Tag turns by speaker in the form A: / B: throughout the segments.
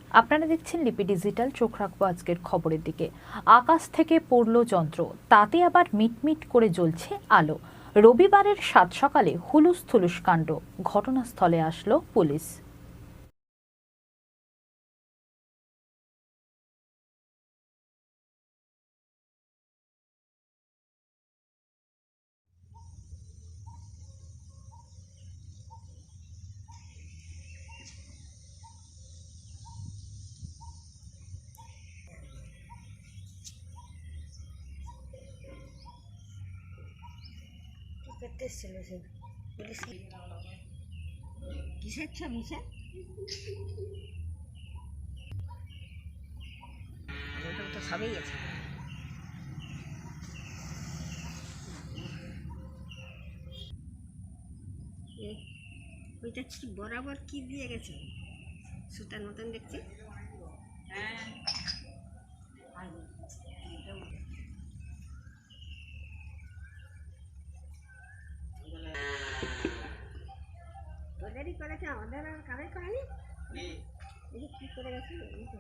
A: আপনারা দেখছেন লিপি ডিজিটাল। চোখ রাখবো আজকের খবরের দিকে। আকাশ থেকে পড়লো যন্ত্র, তাতে আবার মিটমিট করে জ্বলছে আলো। রবিবারের সাত সকালে হুলুস থুলুস কাণ্ড, ঘটনাস্থলে আসলো পুলিশ।
B: কিসের ছবি স্যার? ওটা তো সবই আছে। ওইটা কি বরাবর কি দিয়ে গেছে? সুতার মতন দেখছি। ওদেরই করেছে, আমাদের আর কারের করেনি। কি করে গেছে?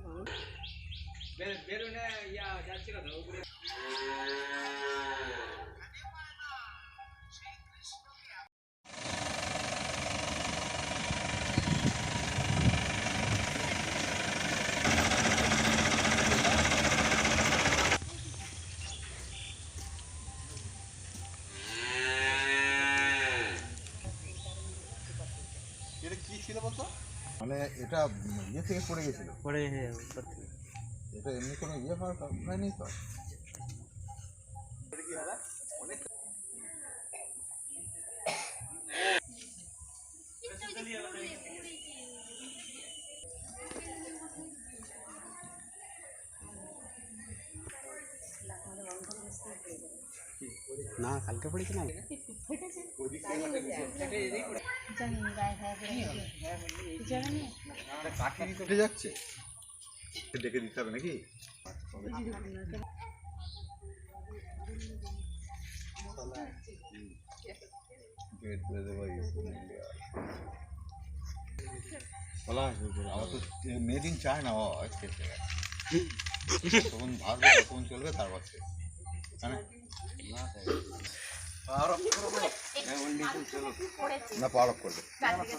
C: এটা কি ছিল বলতো? মানে এটা ইয়ে থেকে পড়ে গেছিল, এটা এমনি কোনো ইয়ে হয়নি তো।
D: না কালকে পড়েছি না,
C: উঠে যাচ্ছে, ডেকে দিতে হবে নাকি? আমার তো মেড ইন চায়না তখন ভাববে তখন চলবে, তারপর না পাওয়ার অফ করবে।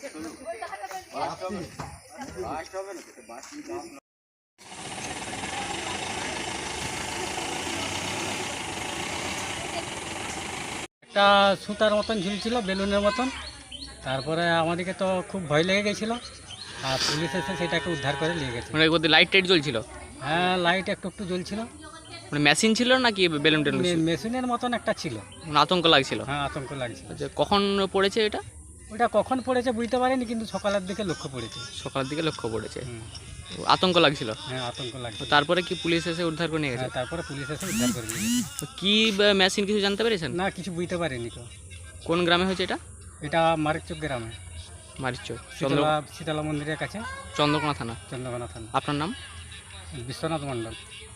D: একটা সুতার মতন ঝুলছিল, বেলুনের মতন। তারপরে আমাদেরকে তো খুব ভয় লেগে গেছিলো, আর পুলিশ এসে সেটাকে উদ্ধার করে নিয়ে গেছে।
E: মানে ওদের লাইট টাইট জ্বলছিল?
D: হ্যাঁ, লাইট একটু একটু জ্বলছিল।
E: মানে মেশিন ছিল নাকি বেলুন টেলুন ছিল?
D: মেশিনের মতন একটা ছিল।
E: মানে আতঙ্ক লাগছিল?
D: হ্যাঁ, আতঙ্ক লাগছিল।
E: আচ্ছা, কখন পড়েছে এটা?
D: ওটা কখন পড়েছে বুঝতে পারিনি, কিন্তু সকালের দিকে লক্ষ্য পড়েছে।
E: সকালের দিকে লক্ষ্য পড়েছে।
D: হুম।
E: তো আতঙ্ক লাগছিল?
D: হ্যাঁ, আতঙ্ক লাগছিল।
E: তো তারপরে কি পুলিশ এসে উদ্ধার করে নিয়ে গেছে?
D: হ্যাঁ, তারপরে পুলিশ এসে উদ্ধার করে নিয়ে গেছে।
E: তো কি মেশিন কিছু জানতে পেরেছেন?
D: না, কিছু বুঝতে পারিনি তো।
E: কোন গ্রামে হয়েছে এটা?
D: এটা মারিকচক গ্রামে,
E: মারিচর,
D: শীতলা মন্দিরের কাছে,
E: চন্দ্রকোনা থানা।
D: চন্দ্রকোনা থানা।
E: আপনার নাম?
D: বিশ্বনাথ মণ্ডল।